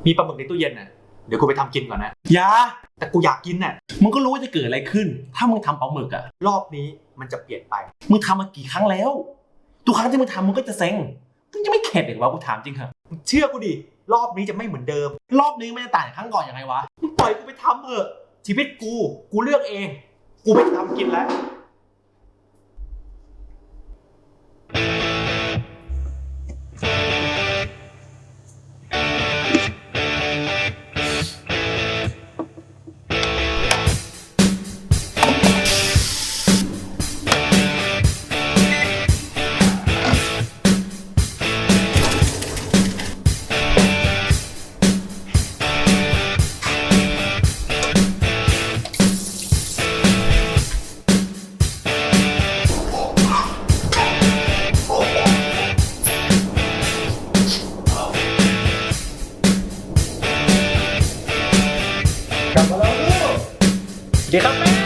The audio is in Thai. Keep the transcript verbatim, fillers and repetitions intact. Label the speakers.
Speaker 1: มีปลาหมึกในตู้เย็นน่ะเดี๋ยวกูไปทำกินก่อนนะ
Speaker 2: อย่า
Speaker 1: แต่กูอยากกินน่ะ
Speaker 2: มึงก็รู้ว่าจะเกิดอะไรขึ้นถ้ามึงทำปลาหมึกอะ
Speaker 1: รอบนี้มันจะเปลี่ยนไป
Speaker 2: มึงทำมากี่ครั้งแล้วทุกครั้งที่มึงทำมึงก็จะเซ็งมึงจะไม่เข็ดอีกวะกูถามจริงเหรอ
Speaker 1: มึงเชื่อกูดิรอบนี้จะไม่เหมือนเดิม
Speaker 2: รอบนี้มันจะต่างจากครั้งก่อนยังไงวะ
Speaker 1: มึงปล่อยกูไปทำเถอะชีวิตกูกูเลือกเองกูไปทำกินแล้ว
Speaker 2: กลับมาแล้วลูกสวัสดีครับแม่